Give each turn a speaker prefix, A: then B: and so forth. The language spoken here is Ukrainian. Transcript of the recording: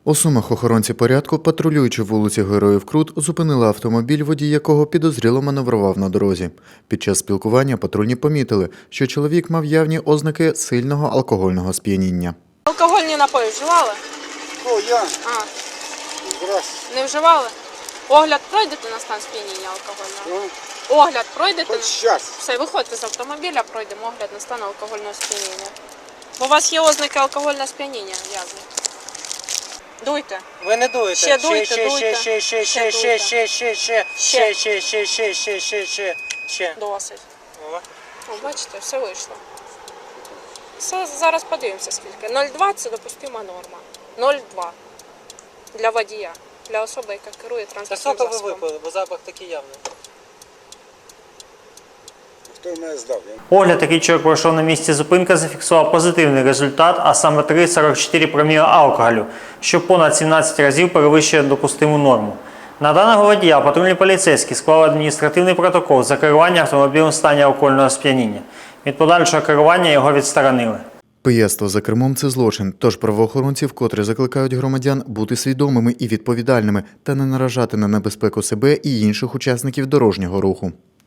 A: У Сумах охоронці порядку, патрулюючи вулиці Героїв Крут, зупинили автомобіль, водій якого підозріло маневрував на дорозі. Під час спілкування патрульні помітили, що чоловік мав явні ознаки сильного алкогольного сп'яніння.
B: Алкогольні напої вживали?
C: О, я.
B: Здравствуйте. Не вживали? Огляд пройдете на стан сп'яніння алкогольного? Огляд пройдете?
C: Хоч щас.
B: Все, виходьте з автомобіля, пройдемо огляд на стан алкогольного сп'яніння. Бо у вас є ознаки алкогольного сп'яніння, в'язні. Дуйте.
D: Ви не дуєте.
B: Ще дуйте, дуйте.
D: Ще.
B: Досить.
D: О.
B: О, бачите, все вийшло. Все, зараз подивимося скільки. 0,2 – це допустима норма. 0,2 для водія, для особи, яка керує
D: Та
B: транспортним
D: скільки ви
B: засобом.
D: випили, бо запах такий явний.
C: Хто мене здав?
E: Огляд, який чоловік пройшов на місці зупинки, зафіксував позитивний результат, а саме 3,44 проміла алкоголю, що понад 17 разів перевищує допустиму норму. На даного водія патрульні поліцейські склали адміністративний протокол за керування автомобілем в стані алкогольного сп'яніння. Від подальшого керування його відсторонили.
A: Пияцтво за кермом – це злочин, тож правоохоронці вкотре закликають громадян бути свідомими і відповідальними та не наражати на небезпеку себе і інших учасників дорожнього руху.